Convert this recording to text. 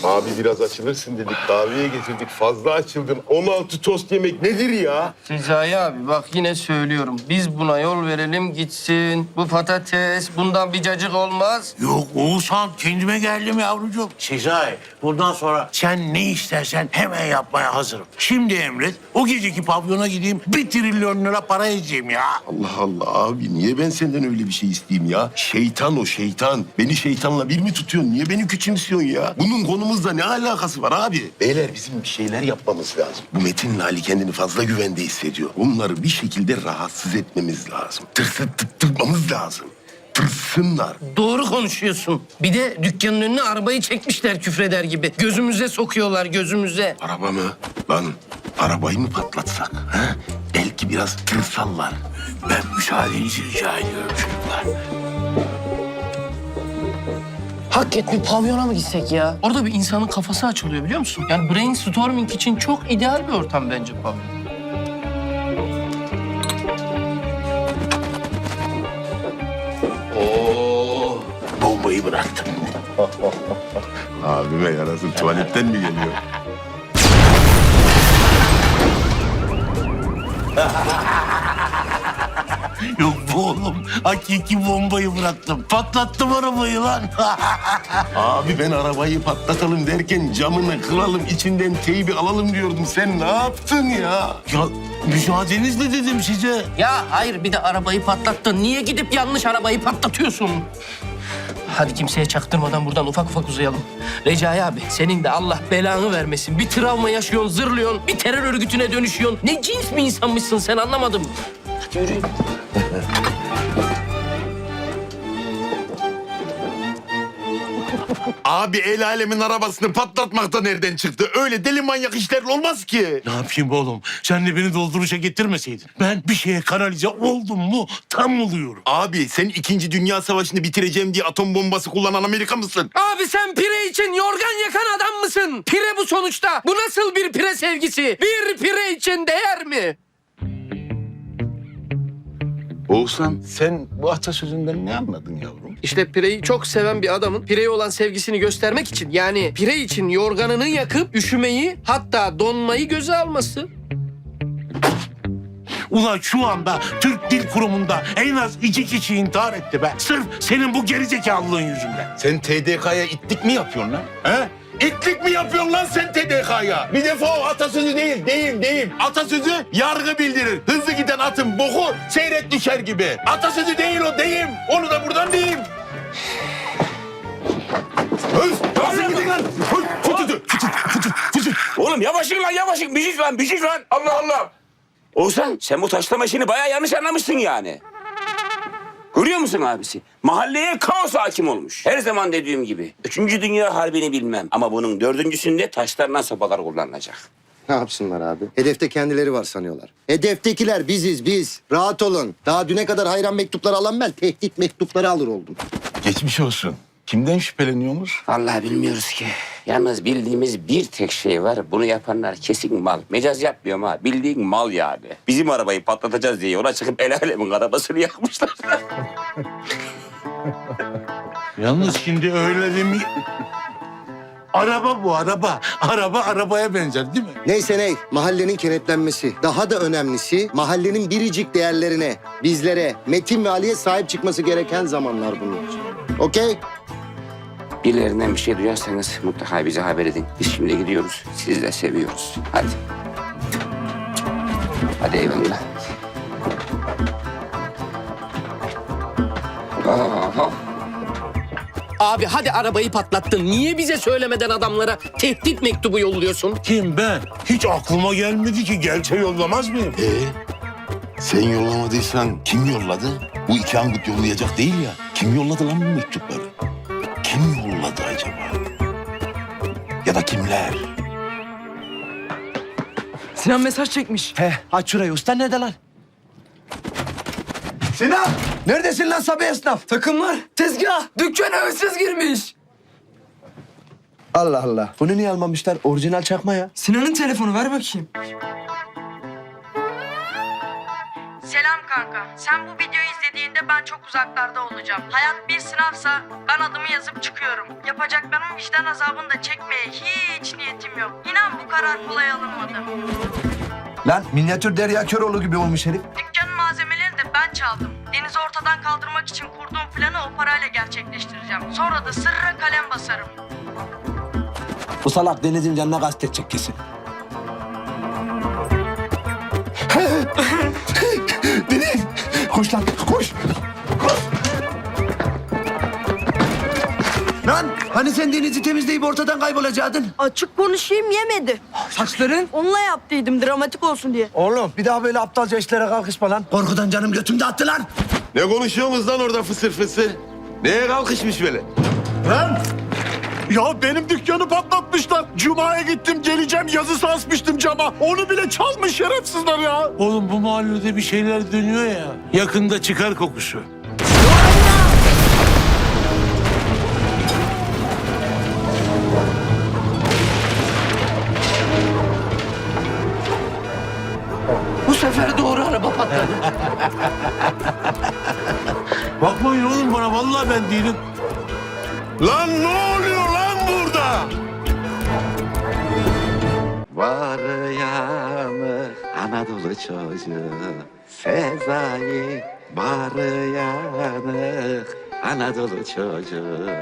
Abi biraz açılırsın dedik. Kahveye getirdik. Fazla açıldın. 16 tost yemek nedir ya? Sezai abi bak yine söylüyorum. Biz buna yol verelim gitsin. Bu patates bundan bir cacık olmaz. Yok Oğuzhan, kendime geldim yavrucuğum. Sezai, bundan sonra sen ne istersen hemen yapmaya hazırım. Şimdi emret, o geceki pavyona gideyim, 1 trilyon lira para edeceğim ya. Allah Allah abi niye ben senden öyle bir şey isteyeyim ya? Şeytan o şeytan. Beni şeytanla bir mi tutuyorsun? Niye beni küçümsüyorsun ya? Bunun konumuzla ne alakası var abi? Beyler bizim bir şeyler yapmamız lazım. Bu Metin'le Ali kendini fazla güvende hissediyor. Bunları bir şekilde rahatsız etmemiz lazım. Tırsıttırmamız lazım. Tırsınlar. Doğru konuşuyorsun. Bir de dükkanın önüne arabayı çekmişler küfreder gibi. Gözümüze sokuyorlar gözümüze. Araba mı? Lan arabayı mı patlatsak? Ha? Belki biraz tırsallar. Ben müsaadenizi rica ediyorum çocuklar. Hakikaten bir pavyona mı gitsek ya? Orada bir insanın kafası açılıyor biliyor musun? Yani brainstorming için çok ideal bir ortam bence pavyon. Bombayı bıraktım. Abime yarasın tuvaletten mi geliyor? Yok bu oğlum, hakiki bombayı bıraktım. Patlattım arabayı lan. Abi ben arabayı patlatalım derken camını kıralım, içinden teybi alalım diyordum. Sen ne yaptın ya? Ya müsaadenizle dedim size. Ya hayır bir de arabayı patlattın. Niye gidip yanlış arabayı patlatıyorsun? Hadi kimseye çaktırmadan buradan ufak ufak uzayalım. Recai abi senin de Allah belanı vermesin. Bir travma yaşıyorsun, zırlıyorsun, bir terör örgütüne dönüşüyorsun. Ne cins bir insanmışsın sen anlamadım. Hadi yürüyün. Abi el alemin arabasını patlatmak da nereden çıktı? Öyle deli manyak işler olmaz ki. Ne yapayım oğlum? Sen de beni dolduruşa getirmeseydin. Ben bir şeye kanalize oldum mu tam oluyorum. Abi sen 2. Dünya Savaşı'nı bitireceğim diye atom bombası kullanan Amerika mısın? Abi sen pire için yorgan yakan adam mısın? Pire bu sonuçta. Bu nasıl bir pire sevgisi? Bir pire için değer mi? Oğuzhan sen bu atasözünden ne anladın yavrum? İşte pireyi çok seven bir adamın pireye olan sevgisini göstermek için yani pire için yorganını yakıp üşümeyi hatta donmayı göze alması. Ulan şu anda Türk Dil Kurumu'nda en az 2 kişi intihar etti be. Sırf senin bu gerizekalılığın yüzünden. Sen TDK'ya itlik mi yapıyorsun lan? He? İtlik mi yapıyorsun lan sen TDK'ya? Bir defa o atasözü değil. Atasözü yargı bildirir. Hızlı giden atın boku seyrek düşer gibi. Atasözü değil o, deyim. Onu da buradan diyeyim. Hız! Nasıl gidin lan? Oğlum yavaşın lan yavaşın. Bir şey lan. Allah Allah. Oğuzhan sen bu taşlama işini bayağı yanlış anlamışsın yani. Görüyor musun abisi? Mahalleye kaos hakim olmuş. Her zaman dediğim gibi. 3. Dünya Harbi'ni bilmem. Ama bunun 4.'sünde taşlarla sopalar kullanılacak. Ne yapsınlar abi? Hedefte kendileri var sanıyorlar. Hedeftekiler biziz biz. Rahat olun. Daha düne kadar hayran mektupları alan ben tehdit mektupları alır oldum. Geçmiş olsun. Kimden şüpheleniyorsunuz? Vallahi bilmiyoruz ki. Yalnız bildiğimiz bir tek şey var. Bunu yapanlar kesin mal. Mecaz yapmıyorum ha. Bildiğin mal yani. Bizim arabayı patlatacağız diye yola çıkıp el alemin arabasını yakmışlar. Yalnız şimdi öyle demi... Araba bu araba. Araba arabaya benzer değil mi? Neyse ney, mahallenin kenetlenmesi. Daha da önemlisi mahallenin biricik değerlerine, bizlere, Metin ve Ali'ye sahip çıkması gereken zamanlar bunlar. Okey? Birilerinden bir şey duyarsanız mutlaka bize haber edin. Biz şimdi gidiyoruz. Sizi de seviyoruz. Hadi. Hadi eyvallah. Aha. Abi hadi arabayı patlattın. Niye bize söylemeden adamlara tehdit mektubu yolluyorsun? Kim ben? Hiç aklıma gelmedi ki. Gelse yollamaz mıyım? Sen yollamadıysan kim yolladı? Bu iki angut yollayacak değil ya. Kim yolladı lan bu mektupları? Kim yolladı acaba? Ya da kimler? Sinan mesaj çekmiş. He, aç şurayı. Usta nerede lan? Sinan! Neredesin lan Sabi esnaf? Takımlar, tezgah, dükkana hırsız girmiş. Allah Allah. Bunu niye almamışlar? Orijinal çakma ya. Sinan'ın telefonu ver bakayım. Selam kanka. Sen bu videoyu izlediğinde geldiğinde ben çok uzaklarda olacağım. Hayat bir sınavsa ben adımı yazıp çıkıyorum. Yapacaklarımın vicdan azabını da çekmeye hiç niyetim yok. İnan bu karar kolay alınmadı. Lan minyatür Derya Köroğlu gibi olmuş herif. Dükkanın malzemelerini de ben çaldım. Deniz'i ortadan kaldırmak için kurduğum planı o parayla gerçekleştireceğim. Sonra da sırra kalem basarım. Bu salak Deniz'in canına kastetecek kesin. Deniz! Koş lan, koş! Lan hani sen Deniz'i temizleyip ortadan kaybolacaktın? Açık konuşayım yemedi. Saçların? Onunla yaptıydım dramatik olsun diye. Oğlum bir daha böyle aptalca işlere kalkışma lan. Korkudan canım götümde attı lan. Ne konuşuyorsunuz lan orada fısır fısır? Neye kalkışmış böyle? Lan! Ya benim dükkanı patlatmışlar. Cuma'ya gittim geleceğim yazısı asmıştım cama. Onu bile çalmış şerefsizler ya. Oğlum bu mahallede bir şeyler dönüyor ya. Yakında çıkar kokusu. Bu sefer doğru araba patladı. Bakmayın oğlum bana vallahi ben değilim. Lan ne oluyor lan burada? Var yanı Anadolu çocuğu Sezai var yanı Anadolu çocuğu